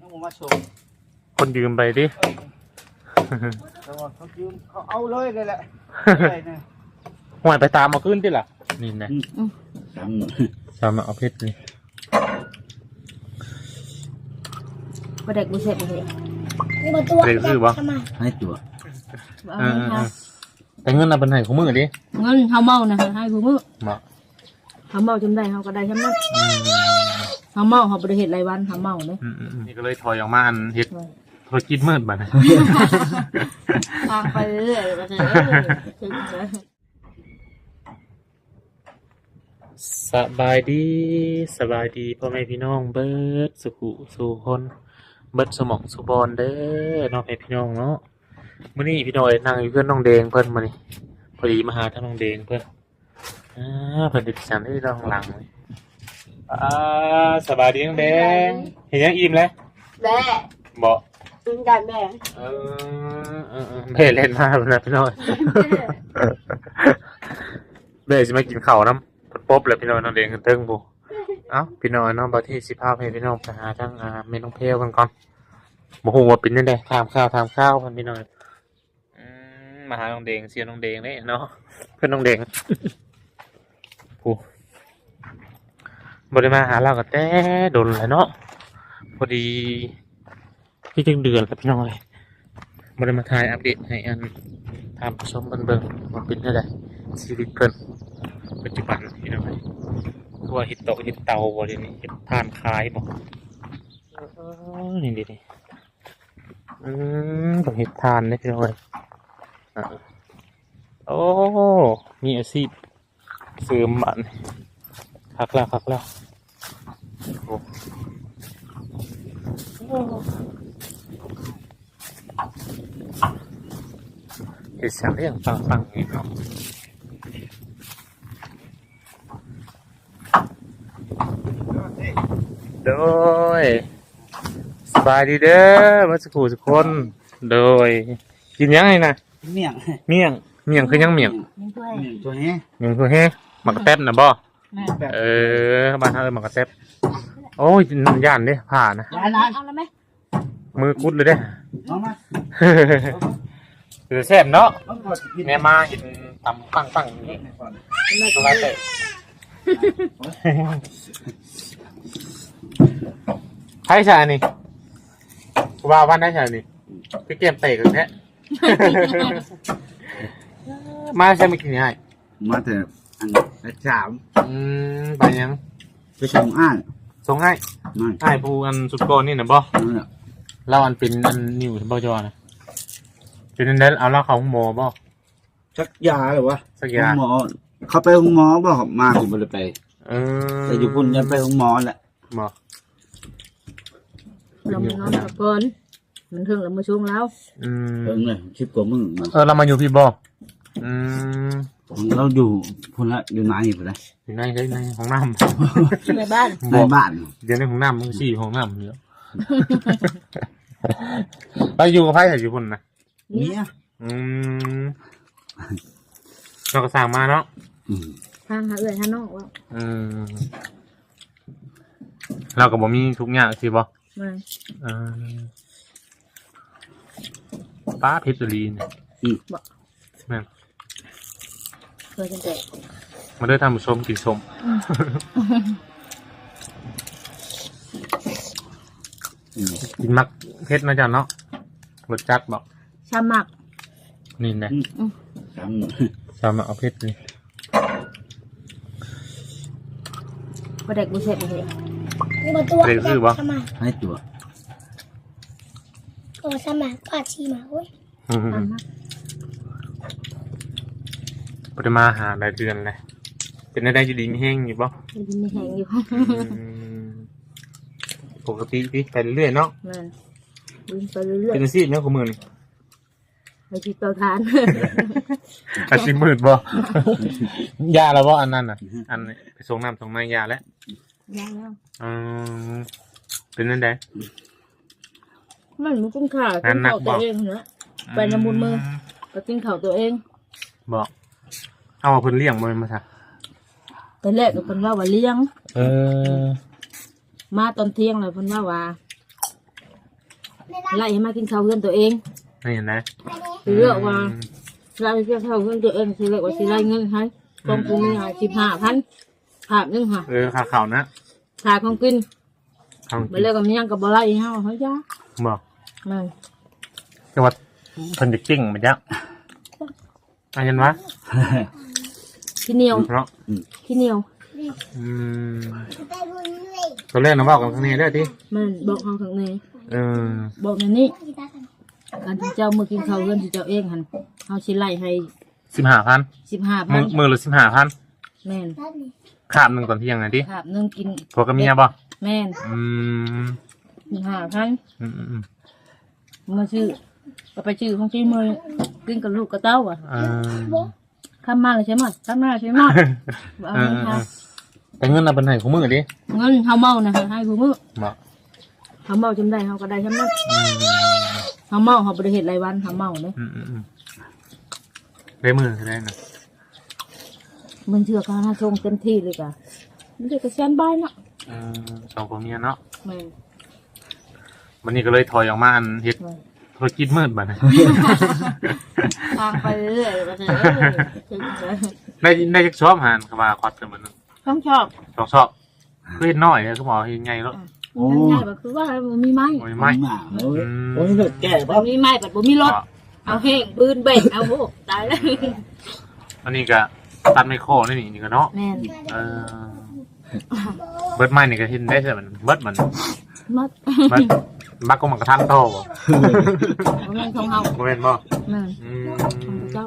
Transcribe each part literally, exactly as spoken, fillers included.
มาส่งคนยืมไปดิเขายืมเขาเอาเลยเลยแหละห่วยไปตามมาขึ้นที่ล่ะนี่นะตามมาเอาเพชรนี่ประเด็กบุเสร็จเลยนี่มาตัวเด็กคือบ่ให้ตัวแต่เงินน่ะเป็นไห้ของมือดิเงินเฮาเมานะให้ผู้มือมาเฮาเมาจำได้เฮาก็ได้จำนั้นเฮาเมาเฮาบ่ได้เฮ็ดรายวันเฮาเมาเด้นี่ก็เลยถอยออกมาอันเฮ็ดธุรกิจมืดบัดนี้ทางไปเรื่อยๆก็คือสบายดีสบายดีพ่อแม่พี่น้องเบิดสุขุสู่คนเบิดสมองสุบอนเด้อน้องพี่น้องเนาะมื้อนี้พี่น้อยนั่งอยู่เพื่อนน้องแดงเพิ่นมานี่พอดีมาหาท่านน้องแดงเพิ่นอ่าเพิ่นติดสันที่ด้านหลังนี่อ่าสบายดีน้องแดงเห็นยังอิ่มแล้วแม่บ่กินกันแม่เออเออแม่เล่นมากนะพี่น้อยแม่สิมากินข้าวน้ำป๊บเลยพี่น้อยน้องแดงกันเติ้งบ่เอ้าพี่น้อยน้องบ่ที่สิพาให้พี่น้องไปหาทางอ่าแม่น้องเพลกันก่อนบ่ฮู้ว่าเป็นจังได๋ถามข้าวถามข้าวเพิ่นพี่น้อยมาหาน้องเดงเสียน้องเดงนี่เนาะเพื่อนน้องเดงกูบริมาหาเราก็แต่โดนเลยเนาะพอดีพี่จึงเดือนกับพี่น้องเลยบริมาถ่ายอัปเดตให้อันทำผสมเบิ่งเบิ่งมันเป็นยังไงชีวิตเพิ่นปัจจุบันพี่น้องเลยคือว่าเห็ดโตเห็ดเตาบ่เดี๋ยวนี้เห็ดทานคายบ่นี่ดินี่อืมต้องเห็ดทานนะพี่น้องเลยโอ้มีอาชีพเสริมบันคักแล้วคักแล้วโอ้เห็ดเสียงเรียงฟังฟังนี่เนาะโดยสบายดีเด้อมาสักครู่สักคนโดยกินยังไงนะเมี่ยงเมี่ยงเมี่ยงคือยังเมี่ยงเมี่ยงตัวนี้เมี่ยงคือเฮ้หมักกระแทบนะบ่เออบ้านเขาเลยหมักกระแทบโอ้ยย่านเด้ผ่านะเอาแล้วไหมมือกุดเลยเด้คือแซ่บเนาะแม่มาเห็นตำปังปังอย่างนี้ตัวละเตะใช่ใช่นี่ว่าวันได้ใช่นี่พี่เกมเตะกันแท้มาใช่ไม่กินง่ายมาแต่อันละสามอืมไปยังไปส่งอ้ายส่งให้ให้ผู้อันสุดโกนนี่นะบ่เล่าอันเป็นอันนิวบ่จอนะเป็นอันนั้นเอาเล่าเขาหมอบ่สักยาหรือวะสักยาหมอเขาไปห้องหมอบ่มาผมไม่ได้ไปเออแต่อยู่พุ่นยังไปห้องหมอแหละหมอเราไม่นอนกับเพิ่นมันถึงแล้วมาช่วงแล้วอืมเออเลยชิบกว่ามึงเออเรามาอยู่พี่บ่อืมเราอยู่พุ่นละอยู่ไหนอยู่พุ่นละอยู่ในในห้องน้ำในบ้านในบ้านเดี๋ยวในห้องน้ำมึงสี่ห้องน้ำเยอะไปอยู่กับไพ่แต่อยู่พุ่นนะเนี่ยอืมเราก็สั่งมาเนาะทางหาเอื่อยทางนอกว่าอืมเราก็บ่มีทุกอย่างสิบ่ไม่อ่าป้าเพชรลีนอืมแม่เคยกันแต่มาได้ทำชมกินชมกินมักเพชรนะจ๊ะเนาะรสจัดบอกชาหมักนี่นะชาหมักเอาเพชรนี่ประเด็กบุเสร็จเลยนี่มาตัวเด็กคือบ่ให้ตัวตัวสมัครปาชีมาเว้ยปริมาหาหลายเดือนเลยเป็นได้อยู่ดีไม่แห้งอยู่บ่ดีไม่แห้งอยู่ปกติพี่ไปเรื่อยเนาะไปเรื่อยเป็นอาชีพเนาะของมือนี่อาชีพเตาถ่านอาชีพมืดบ่ยาแล้วบ่อันนั้นอ่ะอันไปส่งน้ำส่งน้ำยาแล้วยาแล้วอืมเป็นนั่นได้มันมันกินข่าวกินข่าวตัวเองเนอะไปน้ำมูลมือก็กินข่าวตัวเองบอกเอามาเพิ่นเลี้ยงมันมาซะตอนแรกก็เพิ่นว่าว่าเลี้ยงเออมาตอนเที่ยงเลยเพิ่นว่าว่าไล่ให้มากินข้าวเพื่อนตัวเองนี่เห็นไหมคือเลือกว่าไล่กินข้าวเพื่อนตัวเองคือเลือกว่าสิไล่เงินให้กองกูมีหาสิบห้าพันภาพนึงค่ะเออขาเข่านะขาของกินทางไปเลือกกับมียังกับบ่ไล่เฮาเฮาจ้าบอกนั่นจังหวัดเพิ่นจะกิ้งมันจะอะไรกันวะขี้เหนียวเพราะขี้เหนียวอืมตัวแรกน้องบอกกันข้างนี้ได้ทีมันบอกเฮาข้างในเออบอกในนี้การที่เจ้ามือกินข้าวเพื่อนที่เจ้าเองหันเฮาสิไล่ให้สิบห้าพันสิบห้าพัมืนอมือละสิบห้าพันแม่นขาบหนึ่งตอนเที่ยงไงทีภาพนึงกินพวกกับเมียบ่แม่นอืมสิบห้าพันอืมอืมอืมมาชื่อก็ไปชื่อของชื่อมือกินกับลูกกับเต้าอ่ะเออข้ามมาเลยใช่ไหมข้ามมาใช่ไหมเอาเออเงินเอค่ะอแต่เงินน่ะเป็นไหนของมือดิเงินเขาเมานะให้ผู้มือบอกเขาเมาจำได้เขาก็ได้จำนั้นอืมเขาเมาเขาบริเหตุรายวันเขาเมาเลยอืมอืมอืมได้มือได้นะมันเชื่อการให้ชงเต็มที่เลยกะไม่ได้กระเซ็นใบเนาะเออสองคนเมียเนาะแม่วันนี้ก็เลยถอยออกมาอันเฮ็ดธุรกิจมืดบัดนะทางไปเรื่อยๆก็จะได้ได้จักชอบหานคำว่าควัดกันมันต้องชอบสองชอบคือเฮ็ดน้อยเนี่ยคือบอกเฮ็ดไงแล้วโอ้ง่ายๆก็คือว่ามันมีไม้โอ้ยไม่ไม่มาโอ้ยโอ้ยเลิกแก่มัป่ะนมีไม้แบบมันมีรถเอาแห้งปืนเบรกเอาโหตายแล้วอันนี้ก็ตัดไมโครนี่นี่ก็เนาะแม่นเออเบิดไม้นี่ก็เห็นได้ใช่มันเบิดมันมัดเบิดบักก็มันกระทันโตบ่แม่นของเฮาบ่แม่นบ่แม่นอืมของเจ้า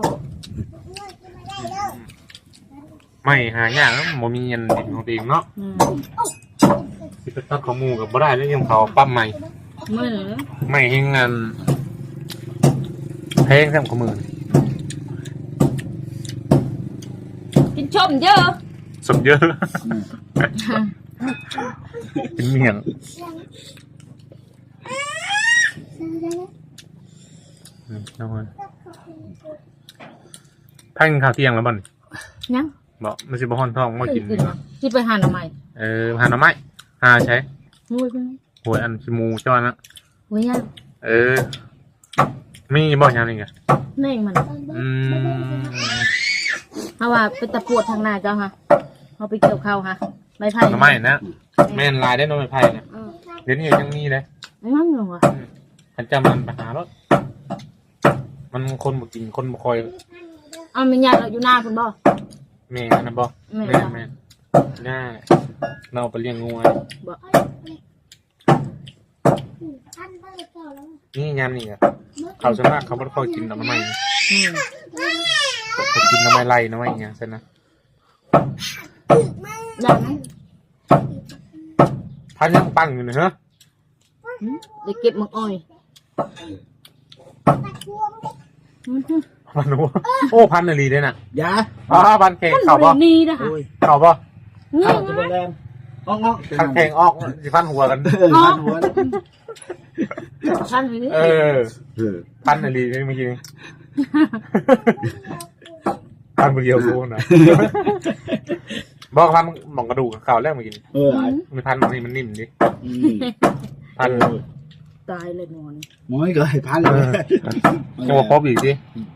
ไม่หายากแล้วบ่มีเงินดินของตัวเองเนาะอืมสิไปตัดของหมู่ก็บ่ได้แล้วยังเขาปั๊มใหม่ไม่เหรอไม่เฮงงานเพลงแซมของมือกินชมเยอะสมเยอะ เป็นเมียงอืมเอาไว้พักกินข้าวเที่ยงแล้วบ่นยังบอกมันสิบ่ฮ้อนท้องมากินกินมาที่ไปหาหน่อไม้เออหาหน่อไม้หาใช้มุ้ยไปไหมหวยอันชิมูจ้อนนะมุ้ยยังเออมีบ่ยังนี่ไงแม่งมันอืมเพราะว่าเป็นตะปวดทางหน้าเจ้าค่ะเขาไปเกี่ยวข้าวค่ะใบไผ่หน่อไม้นะแม่นลายได้หน่อไม้ไผ่นะเออเดี๋ยวนี้ยังมีเลยไม่มั่งหรอวะขันจำมันไปหารถมันคนบ่กินคนบ่คอยเอาไม่ยากเราอยู่หน้าคุณบ่แม่นะบ่แม่แม่แม่หน้าเราไปเลี้ยงงูไว้บ่นี่ยามนี่อ่ะเขาส่วนมากเขาบ่ค่อยกินหน่อไม้อืมเขากินหน่อไม้ไล่หน่อไม้อย่างซั่นนะอย่างนั้นพันยังปังอยู่นะฮะอืมเดี๋ยวเก็บหมักอ้อยอืมพันหัวโอ้พันนาลีด้วยน่ะยาอ๋อพันแข่งมันเข่าบบ่รินีนะคะโอ้ยเข่าบ่นี่ข้าวจะไงเป็นแรงงอกงอกพันแข่งออกสิพันหัวกันเออพันหัวท่านไปนี่เออเออพันนาลีเมื่อกี้นี้พันเดียวรู้นะบอกพันหมองกระดูกเข่าแรกเมื่อกี้เออมันพันบางทีมันนิ่มดิอืมพันตายเลยนอนหมอยก็ให้พันเลยจะมาครบอีกดิ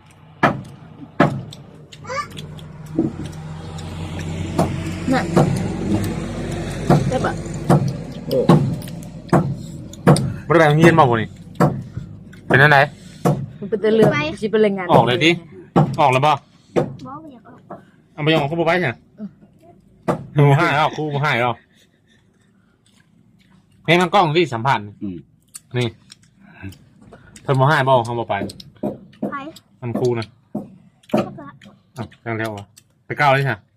น่ะได้ปะโอ้บริแบงเงียนมาบ่นี่เป็นอันไหนมันเป็นแต่เรื่องชิเป็นแรงงานออกเลยดิออกแล้วบ่บอกไม่อยากออกเอาไปยองเขาบ่ไปใช่ไหมครูให้หรอครูให้หรอเพลงมันกล้องที่สัมพันธ์อืมนี่เพิ่นบ่ให้บ่เขาบ่ไปไปมันครูนะก็ละอ่ะจังแล้ววะไปก้าวเลยใช่ไหม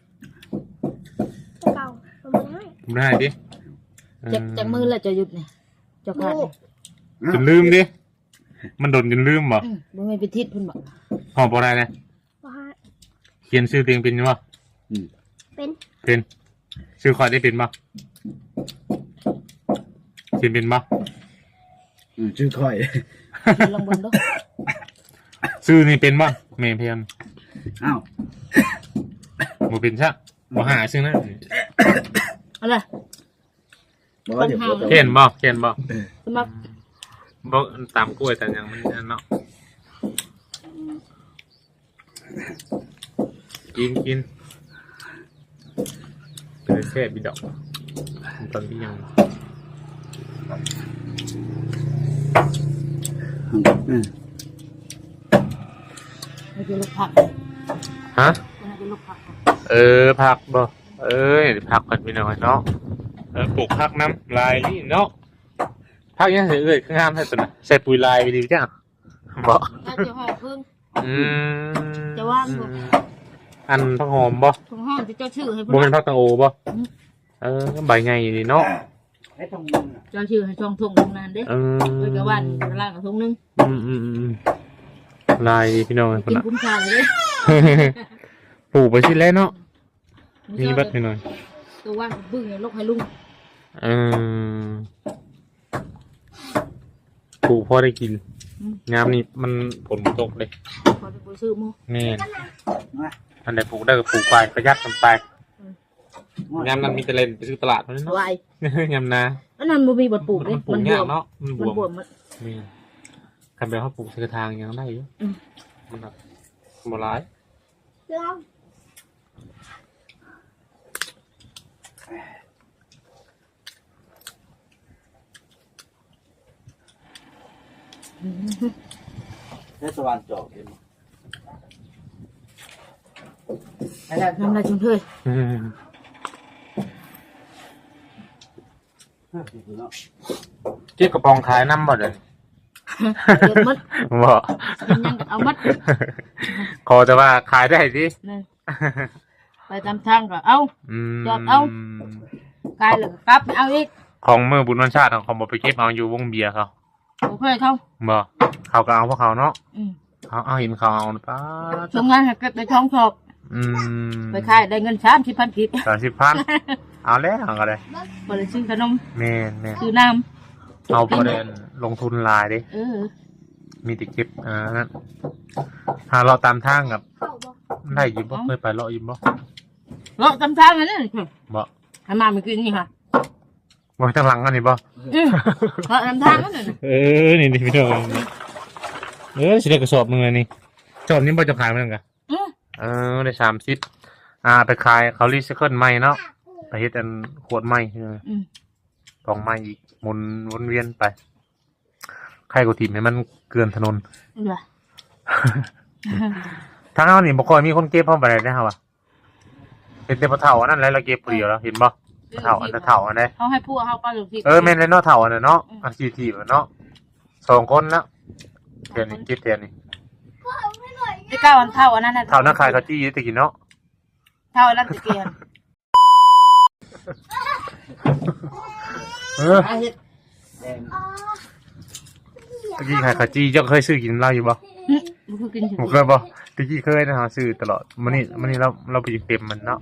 เก่ามันไม่ให้ผมได้ดิจากจากมือแล้วจะหยุดเนี่ยจะขาดเนี่ยจนลืมดิ มันโดนจนลืมบ่อืมบ่ไม่ไปทิศเพิ่นบอกหอมบ่ได้เลยว่าเขียนชื่อเตียงเป็นบ่อืมเป็นเป็นชื่อคอยได้เป็นบ่เขียนเป็นบ่อืมชื่อค่อยคิดลองเบิ่งดูชื่อนี่เป็นบ่เมย์เพียนอ้าวบ่เป็นซะบ่หาชื่อนะอะไรบอกว่าเดี๋ยวพูดเขียนบ่เขียนบ่สมัครบ่ตามกล้วยแต่ยังมันเนาะกินกินเป็นแค่บิดอกตอนที่ยังอืมไม่เป็นลูกผักฮะไม่เป็นลูกผักเออผักบ่เอ้ยผักกันไปหน่อยเนาะเออปลูกผักน้ำลายนี่เนาะผักยังเสียเอ้ยงามแท้ตัวน่ะใส่ปุ๋ยลายไปดีจ้ะบ่ถ้าจะห่อพึ่งอืมจะว่างบ่อันผักหอมบ่ถุงห้องจะเจ้าชื่อให้บ่เพิ่เป็น นผักตังโอบ่เออใบไงนี่เนาะให้ตรงมือเจ้าชื่อให้ช่องทงตรงนั้นเด้เออเอ้ยกะวันกะล่างกับทงนึงอืมอืมอืมลายพี่น้องคนกินละคุ้มค่าเลยปลูกไปสิแล้วเนาะมีบัดพี่น้อยตัวว่างบึ้งให้ลูกให้ลุงเออปลูกพอได้กินงามนี่มันผลตกเลยพอจะไปซื้อหมูแม่อันไหนปลูกได้ก็ปลูกไปประหยัดกันไปงามนั้นมีแต่เล่นไปซื้อตลาดเท่านั้นเนาะวายงามนาอันนั้นบ่มีบทปลูกมัเด้นปลูมักนบยาว กมเนาะมันบมันวบวมมมันแม่คันแบบเขาปลูกใส่กระถางยังได้อยู่มันแบบโบราณเรื่องให้สว่านจอกเห็นไหมทำอะไรจุนเถยอืมเนาะเก็บกระปองขายน้ำบ่เดี๋ยวเดือดมัดบ่กินยังก็เอามัดขอแต่ว่าขายได้สินี่ไปตามทางก็เอาอืมจอดเอา กายเลยกลับเอาอีกของเมื่อบุญวันชาติของเขาบอกไปเก็บเอาอยู่วงเบียร์เขาโอเคเขาบ่เขาก็เอาพวกเขาเนาะอืมเขาเอาเห็นเขาเอาป้าทำงานให้เก็บในท้องชอบอืมไปขายได้เงินสามสิบพันกิบสามสิบพันเอาแล้วเอาก็ได้บริซื้อขนมแม่นแม่นซื้อน้เอาประเด็นลงทุนหลายดิำเออมีแต่เก็บอ่านั่นหาเราตามทางกับเข้าบ่ได้ยิบบ่เคยไปเลาะยิบบ่เลาะตามทางอันนั้นบ่ให้มาไม่กินนี่ค่ะบ่ทางหลังกันนี่บ่อืมเลาะตามทางอันนั้นน่ะเออนี่นี่พี่น้องเออสิได้กระสอบหนึงเลยนี่จอบนี้บ่จะขายมันกันอืมเออได้สามสิบอ่าไปขายเขารีไซเคิลใหม่เนาะไปเฮ็ดอันขวดใหม่ใช่ไหมอืมกล่องใหม่อีกหมุนวนเวียนไปใครกูทีมให้มันเกลื่อนถนนเหรอทางเฮานี่บ่ค่อยมีคนเก็บพร้อมไปได้เด้อเฮาอ่ะเห็นแต่บ่เฒ่าอันนั้นแหละเราเก็บผู้เดียวแล้วเห็นบ่เฒ่าอันนั้นเฒ่าอันนั้นเขาให้พวกเขาไปหรือที่เออแม่นเลยเนาะเฒ่าอันนั้นเนาะอาชีพที่เนาะสองคนแล้วเดี๋ยวนี้เก็บเดี๋ยวนี้ไอ้เก้าอันเท่าอันนั้นน่ะเฒ่านักขายข้าวจี้ตะกี้เนาะเท่าอันนั้นตะเกียนเออไอ้เฮ็ดแดงอ๋อตะกี้ขายข้าวจี้เจ้าเคยซื้อกินเหล้าอยู่บ่หึมันคือกินถึงผมเคยบ่ตะกี้เคยนะฮะซื้อตลอดมื้อนี้มื้อนี้เราเราไปเต็มมันเนาะ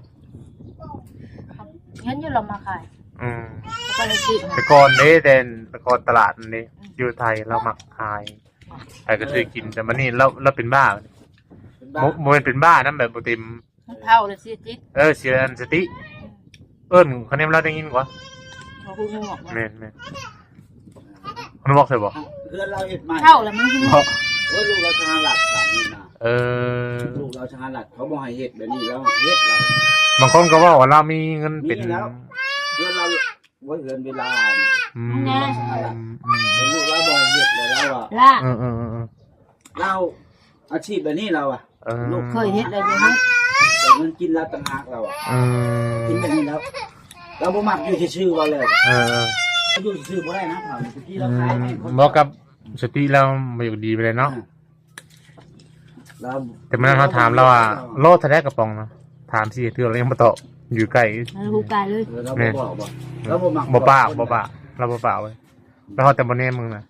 เห็นอยู่เรามาขายอืมแล้วก็เลยซื้อมาแต่ก่อนเด้แต่แต่ก่อนตลาดนั่นเด้อยู่ไทยเรามักขายใครก็ซื้อกินแต่มื้อนี้เราเราเป็นบ้าเป็นบ้าบ่บ่แม่นเป็นบ้านํแบบบ่เต็มมันเท่าเลยสิจิตเออเสียอันสติ เอิ้นคะแนนเราได้ยินกว่าเขาคืองูออกมาแม่นแม่นมันบอกใส่บ่เพื่อนเราเห็ดใหม่เท่าแล้วมันคือบอกโอ้ยลูกเราชนะหลักสามนี่นะเออลูกเราชนะหลักเขาบอกให้เห็ดแบบนี้แล้วเห็ดเราบางคนก็ว่าว่าเรามีเงินเป็นมีแล้ว เพื่อนเราไว้เกินเวลาอืมแน่อืมแต่ลูกเราบอกให้เห็ดเลยแล้วอ่ะล่าเออเออเออเออเราอาชีพแบบนี้เราอ่ะเออลูกเคยเฮ็ดอะไรอย่างนี้แต่เงินกินเราต่างหากเราอ่ะเอกินอแบบนี้แล้ว เราบ่มักอยู่ชื่อๆเราเลยเอออยู่ชื่อบ่ได้นะถามเมื่อกี้อืเราขายให้คนมบอกกับสติเราไม่อยู่ดีไปเลยเนาะเราแต่เมื่อเขาถามเราอ่ะโลดทะเลกระป๋องเนาะถามสิเทื่อเรายังมาตอบอยู่ใกล้มันหูกายเลยเออเราบ่บอกบ่เราบ่มักบ่ปากบ่ปากเราบ่ปากเว้ยแล้วเขาแต่บ่แน่มึงน่ะ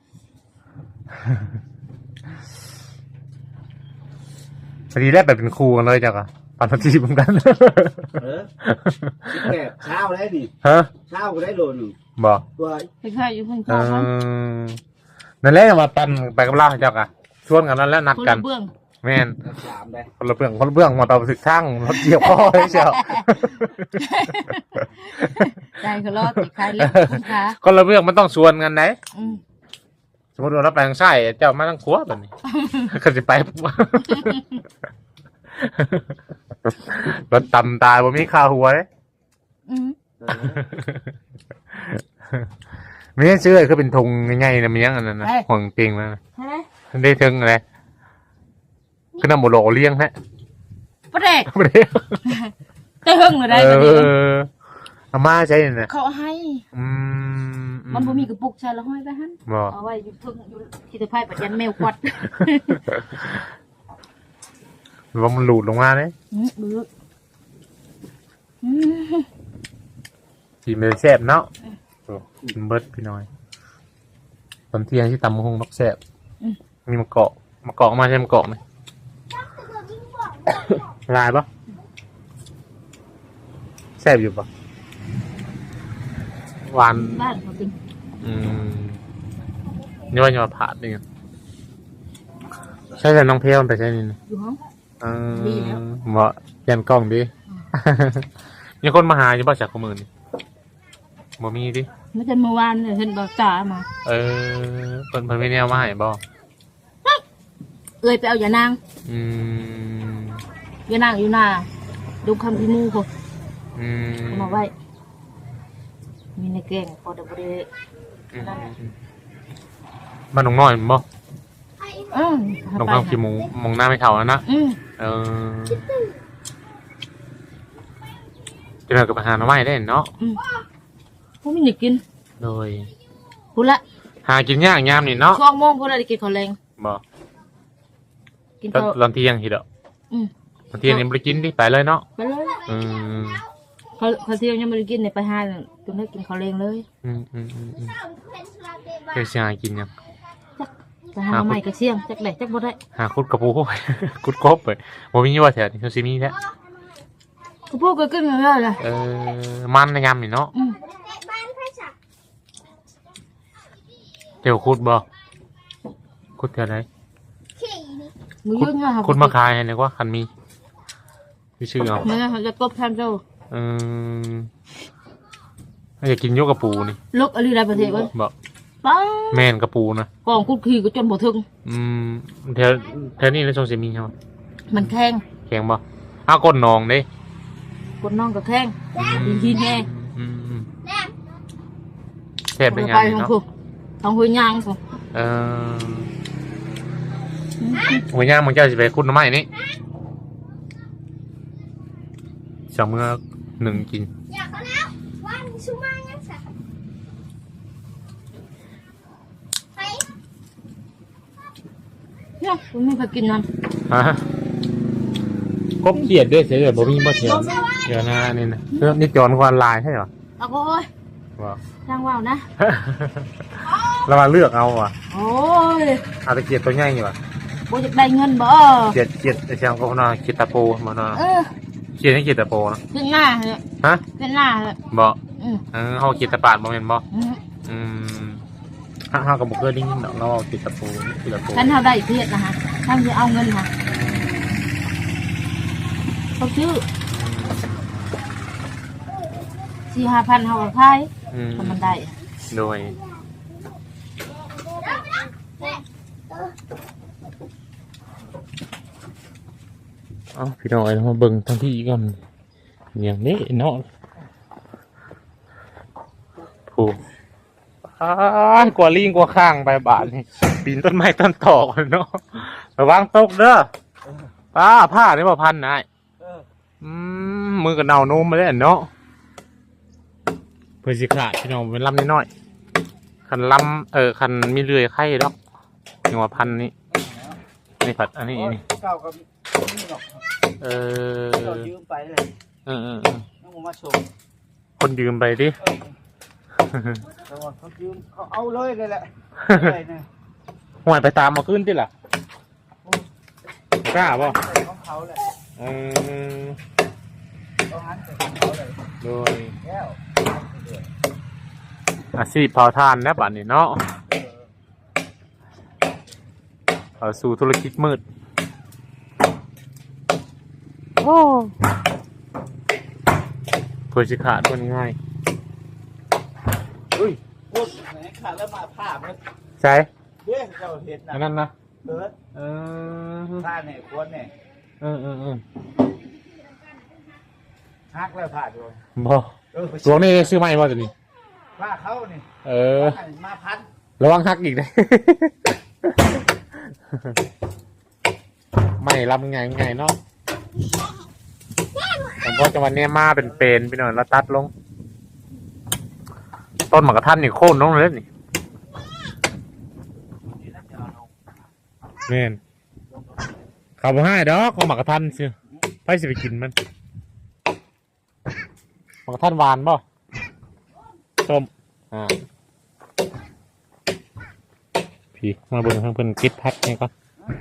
พอดีแรกแบบเป็นครูกันเลยจ้ะกะปันทัทีเหมือนกันเออสิบแปดเช้าได้นี่ฮะเช้าก็ได้โลนึงบอกตัวไปขายอยู่ข้างเอข้างมันอนั่นแหละมาปันไปกับเราเจ้ากะชวนกันนั่นแล้วนัดคนกัละนเบื้องแม่นสามได้คนละเบื้องคนละเบื้องมาต่อไปสึกช่างรถเกี่ยวข้อให้เชียวใจเขารอดติดขายเล็กคุณค้าคนละเบื้องมันต้องชวนกันไหนอืมชมมติว่าเราไปทางซ้ายเจ้ามาทางขวาแบบนี้ ก็จะไปปุ๊บ รถต่ำตายบ่มีค่าหัวเลยอืมไม่ใช่ซื้อคือเป็นธงง่ายๆนะมันยังอันนั้นนะห่วงเก่งแล้วนะใช่ไหมได้ถึงอะไรก็นำโมโลเลี้ยงฮะประเด็กไม่ได้ได้หึงเลยได้เอตอนนี้ออาม่าใช่เนี่ยเขาให้อืมมันบ่มีกระปุกใช่แล้วห้อยไปหั่นบ่เอาไว้อยู่ทึ่งอยู่ที่ตะไคร้ปัจจันแมวควัดหรือว่ามันหลุดลงมาเลยอืมบื้ออืมกินเป็นแซ่บเนาะโอ้กินเบิร์ดพี่น้อยตอนเที่ยงที่ตำมะฮงนกแซ่บมีมะเกาะมะเกาะมาใช่มะเกาะไหมลายปะแซ่บอยู่ปะหวานบ้านเขาเป็นอืมนี่ว่าจะมาผ่าดนี่ไงใช่แต่น้องเพลมันไปใช่นี่นะอยู่ห้องเออดีแล้วเหมาะยันกล้องดิมีคนมาหาอยู่ป่ะจากข้อมือนี่บ่มีดิไม่ใช่เมื่อวานเนี่ยเห็นบอกตามาเออเพิ่นเพิ่นไม่แนวมาให้บ่เอ้ยไปเอาอย่านางอืมอย่านางอยู่หน้าดูคำพิมูเขาอืมเอามาไว้ มีในแกงพอเดบเดอืมบ้านหนองน้อยบ่อืมหนองข้าวขี้หมูมองหน้าไม่เท่าแล้วนะอืมเออจะเอากับอาหารมาไว้ได้เนาะอืมพวกมันอยากกินโดยพูดละหากินยากยามนี่เนาะช่วงโมงพูดละได้กินข้าวแรงบ่กินตอนข้าวตอนเที่ยงทีเดียวอืมตอนเที่ยงนี่บ่ได้กินดิไปเลยเนาะไปเลยอืมเขาเขาเที่ยวยังไม่ได้กินเนี่ยไปห้าจนได้กินข้าวแรงเลยอืมอืมอืมอืมเดี๋ยวสิหากินยังไปหาใหม่กระเชียงจักได้จักบ่ได้หาคุดกระปู ไปคุดกบไปบ่มีว่าแถวนี้เขาสิมีแท้กูพูดก็ขึ้นมาเลยเลยเออมันในยามนี่เนาะอืมเดี๋ยวคุดบ่คุดแถวไหนมือยืนเงาคุดมาขายให้นึกว่าคันมีมีชื่อเอาเมื่อเขาจะกบแทนเจ้าเอออยากกินยกกระปูนี่ลูกอะไรได้ประเทศวะบ่ป้าแม่นกระปูนะกองคุดขี่ก็จนบ่ถึงอืมแถวแถวนี้ในชงสิมีใช่ไหมมันแข้งแข็งบ่อ้าวก้นนองเด้กดน้องก็แข้งดินหินแน่อืมอืมแซ่บเป็นไงไปนี่ของเนาะกูของหัวยางกูเออหัวย่างมึงเจ้าสิไปคุดหน้ำไม้นี่สองมือหนึ่งกินอยากเอาแล้ววันชุมายังสักไปเนี่ยกูไม่เคยกินนั่นฮะกบเขียดด้วยเสียเลยบ่มีบ่เถียงเดี๋ยวนะนี่นะเรื่องนี่จอนกวนลายใช่เหรอเอาโอ้ยว้าวช่างว่าวนะเรามาเลือกเอาอ่ะโอ้ยเอาตะเกียบตัวใหญ่อยู่อ่ะบ่จะได้เงินบ่เกียดเกียดไอ้เชียงก็นอนเกียดตะโปมาเนาะเออเกียดให้เกียดตะโปนะขึ้นหน้าเลยฮะขึ้นหน้าเลยบ่อืมเออเฮาเกียดตะปาดบ่แม่นบ่อืมอืมเฮาเฮาก็บ่เคยได้ยินดอกเราเอาเกียดตะโปเกียดตะโปฉันเท่าได้เพียรนะฮะท่านจะเอาเงินค่ะเขาซื้อสี่ห้าพันเขาก็ขายอืมถ้ามันได้โดยเอ้าพี่น้องไอ้มาเบิ่งทั้งที่ก่อนอย่างนี้เนาะผู้อ้ายกว่าลิงกว่าข้างไปบาทนี่ปีนต้นไม้ต้นตอกเนาะระวังตกเด้อป้าผ้านี่บ่พันนายเอออืมมือกับเนาโน้มมาเลยเนาะเพื่อสิขาดพี่น้องเป็นลำนิดหน่อยคันลำเออคันมีเลื่อยไข่ดอกหนึ่งว่าพันนี่นี่ผัดอันนี้นี่เก่ากับนี่หรอกเออเรายืมไปเลยเออเออเออน้องมาโชว์คนยืมไปดิแต่ว่าเขายืมเขาเอาเลยเลยแหละเลยเนี่ยห่วยไปตามมาขึ้นที่ล่ะกล้าป่ะของเขาแหละเออเขาหันไปของเขาเลยโดยแก้วอาชีพเผาทานนะบัดนี้เนาะเอาสู่ธุรกิจมืดโอ้เพื่อสิขาดคนง่ายอุ้ยพูดไหนขาดแล้วมาผ้ามันใช่โยเด้เจ้าเห็นอันนะนั้นนะเกิดเออท่าเนี่ยควรเนี่ยเออเออเออฮักแล้วผ่าโดนบ่เออหลวงนี่ซื้อใหม่บ่ตัวนี้ผ้าเขานี่เออมาพันระวังหักอีกนะ ไม่รับไงไงเนาะแต่พอจังหวะนี้มาเป็นเป็นไปหน่อยแล้วตัดลง ต้นหมากกระทันนี่โค่นลงเลยนี่เน่นขับให้ดอกเอาหมากกระทันสิไปสิไปกินมันหมากกระทันหวานป่ะส้มอ่าพี่มาเบิ่งทางเพิ่นกิดพักนี่ก่อน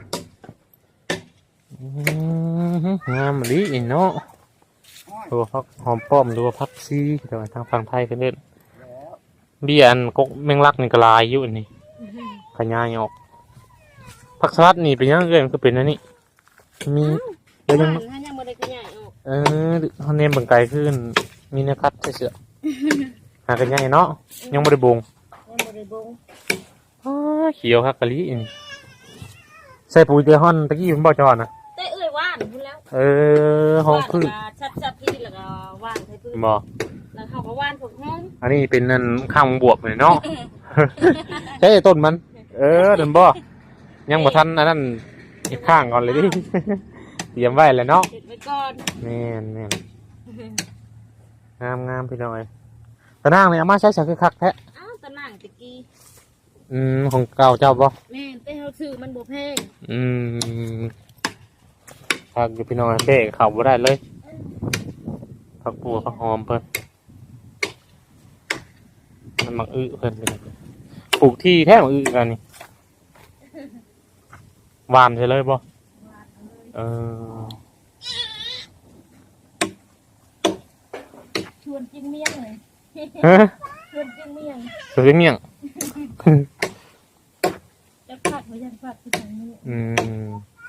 อื้อหืองามมะลิอีเนาะดูพักหอมป้อมดูพักซีเดี๋ยวทางฝั่งไทยกันเด่นเบี้ยอันกกแมงลักนี่ก็ลายอยู่อันนี่ขยายออกผักสลัดนี่เป็นยังไงมันก็เป็นอันนี้มีเดี๋ยวยังถ้ายังบ่ได้ขยายออกเออเขาเนมเบิ่งไกลขึ้นมีเนื้อคัดเสือหากันยังไงเนาะยังไม่ได้บงยังบ่ได้บงอ้าเขียวครับกะลิอีนี่ใส่ปุ๋ยเตฮอนตะกี้ผมบอกจอนะแต่เอ้ยว่านพุ่นแล้วเออห้องพืชชัดๆพี่แล้วก็ว่านใส่พืชบอกแล้วเขาก็ว่านพวกห้องอันนี้เป็นนั่นข้างบวบเลยเนาะ ใช่ต้นมัน เออเดินบ่ยังบ่ทันอันนั้นอีกข้างก่อนเลยดิ เตรียมไว้แล้วเนาะเก็บไว้ก่อนแม่นแม่นงามงามพี่น้อยตะนางเนี่ยเอามาใช้สักคือคักแท้อ้าวตะนั่งตะกี้อืมของเก่าเจ้าบ่แม่นแต่เฮาซื้อมันบ่แพงอืมผักอยู่พี่น้อยเบ้เข้าบ่ได้เลยผักบัวผักหอมเพิ่นมันมักอึเพิ่นไปเลยปลูกที่แท้มักอึกันนี่หวานใช่เลยบ่เออชวนกินเมี่ยงเลยฮะชวนกินเมี่ยงสวยเมี่ยงจะผัดไว้ยังผัดที่ตรงนี้อืม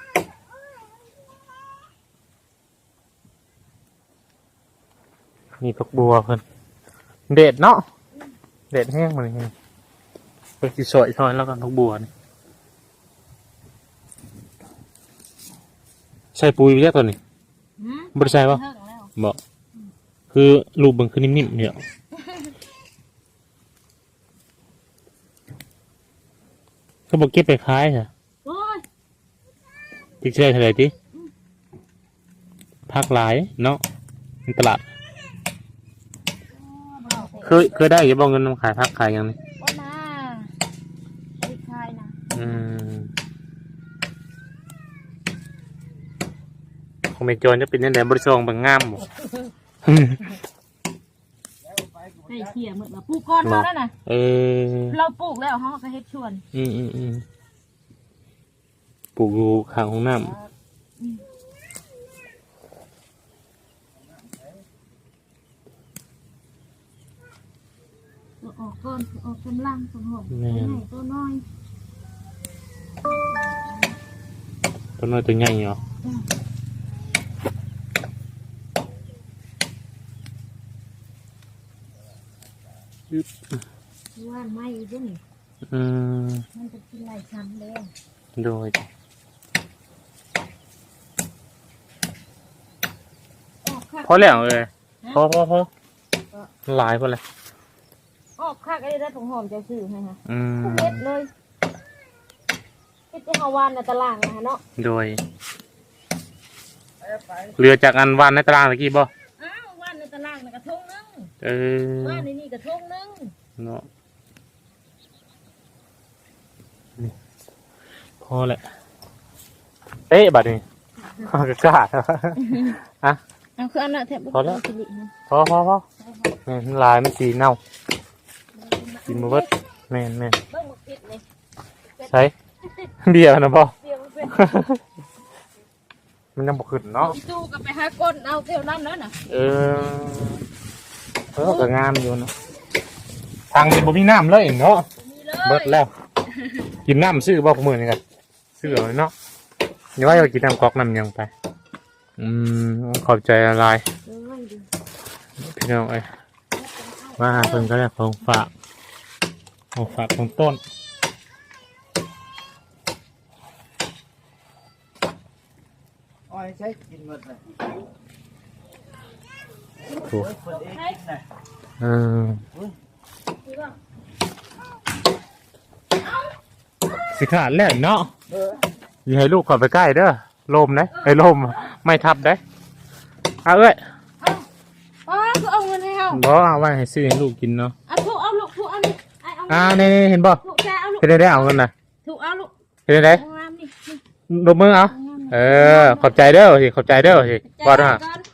นี่ผักบัวเพิ่นเด็ดเนาะเด็ดแห้งมาเลยไปกินสวยซอยแล้วกันผักบัวนี่ใส่ปุ๋ยไปแล้วตัวนี้หืมบ่ได้ใส่ปะเฮิงแล้วบอกคือรูปมันคือนิ่มๆเนี่ยเขาบอกเก็บไปขายเหรอโอ้ยติ๊กเชื่อเท่าไหร่ติพักหลายเนาะในตลาดเคยเคยได้อย่าบอกเงินนำขายพักขายยังนี่ว่ามาไอ้คายนะอืมของเมจอนจะเป็นยังไงบริษัทบางงามบ่ให้เขี่ยหมดมาปลูกก้อนมาแล้วนะเออเราปลูกแล้วเขาก็เฮ็ดชวนอืมอืมอืมปลูกอยู่ข้างห้องน้ำเราออกก้อนออกกำลังสมองแม่นให้ตัวน้อยต้นน้อยตัวใหญ่เหรอว่านไม่อีกด้วยนี่อืมมันจะกินหลายชั้นเลยโดยออกคักพอแล้วเลยพอพอพอหลายพอเลยออกคักไอ้ได้ถุงหอมจะซื้อให้ฮะอืมเฮ็ดเลยเฮ็ดที่เฮาวานในตารางนะฮะเนาะโดยเรือจากอันวานในตารางตะกี้บ่อ้าววานในตารางน่ะกระทงนึงเออวานในนี่กระทงนึงเนาะนี่พอแหละเอ๊ะบัดนี้ ก็กล้าอ่ะเอาคืออันน่ะแทบบ่พอแล้วสิรินะพอพอพอนี่มันลายมันสีเน่ากินมาเบิดแม่นแม่นเบิ่งบ่ผิดนี่ใช่เบียร์นะพ่อเสียงมันเป็นมันยังบกขึ้นเนาะอีตู้ก็ไปหาก้นเอาเที่ยวนั้นแล้วน่ะเออเออก็งามอยู่เนาะทางนี้บ่มีน้ำเลยเนาะมีเลยเบิดแล้ว กินน้ำซื้อบ่ขมือนี่กันซื้อเอาเนาะอย่าว่าจะกินน้ำก๊อกน้ำหยังไป อืมขอบใจอะไรเลยดิพี่น้องเอ้ยมาหาเพิ่นก็ได้ของฝากของฝากของต้นอยใช้กินหมดเลยโอ้โอ้ยคนเองกินน่ะเออสิขาดแล้วเนาะเอออย่าให้ลูกก่อนไปใกล้เด้อลมนะไอ้ลมไม่ทับได้เอาเอ้ยอ๋อคือเอาเงินให้เขาบ่เอาไว้ให้ซื้อให้ลูกกินเนาะเอาถูกเอาลูกถูกเอานี่ไอ้เอาอ่านี่เห็นบ่ถูกแกเอาลูกเห็นได้ได้เอาเงินนะถูกเอาลูกเห็นได้ได้งามนี่ลบมือเอาเออขอบใจเด้อสิขอบใจเด้อสิบ่นะ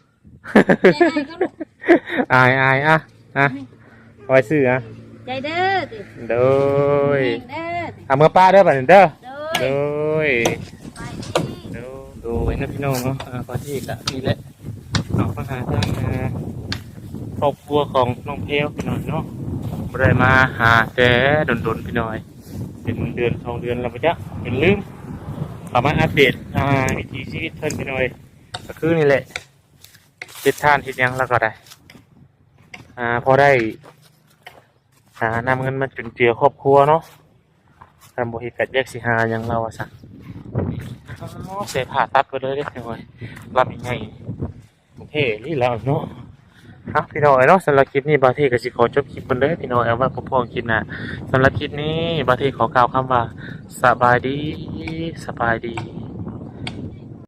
อายอายอ่ะอ่ะไว้ซื้ออ่ะใจเด้อติโดยเด้อเอามือป้าเด้อบัดนี้เด้อเด้อโดยโดยโดยนะพี่น้องเนาะอ่าพอที่กะนี่แหละเอามาหาทางอ่าครอบครัวของน้องเพลวพี่น้องเนาะบ่ได้มาหาแต่ดนๆพี่น้อยเป็นเดือนสองเดือนแล้วปะจ๊ะเป็นลืมเข้ามาอัปเดตอ่าวิถีชีวิตเพิ่นพี่น้อยก็คือนี่แหละเฮ็ดทานเฮ็ดหยังแล้วก็ได้อ่าพอได้หานำเงินมาจุนเจือครอบครัวเนาะทำบ่เฮ็ดกัดแยกสิหาหยังเราอะซะอ๋อเสียผ่าตัดไปเลยเด้พี่น้อยรับยังไงเท่ลีแล้วเนาะครับพี่น้อยเนาะสำหรับคลิปนี้บางทีก็สิขอจบคลิปเพิ่นเด้อพี่น้อยเอาไว้พบๆคลิปหน้าสำหรับคลิปนี้บางทีขอกล่าวคำว่าสบายดีสบายดี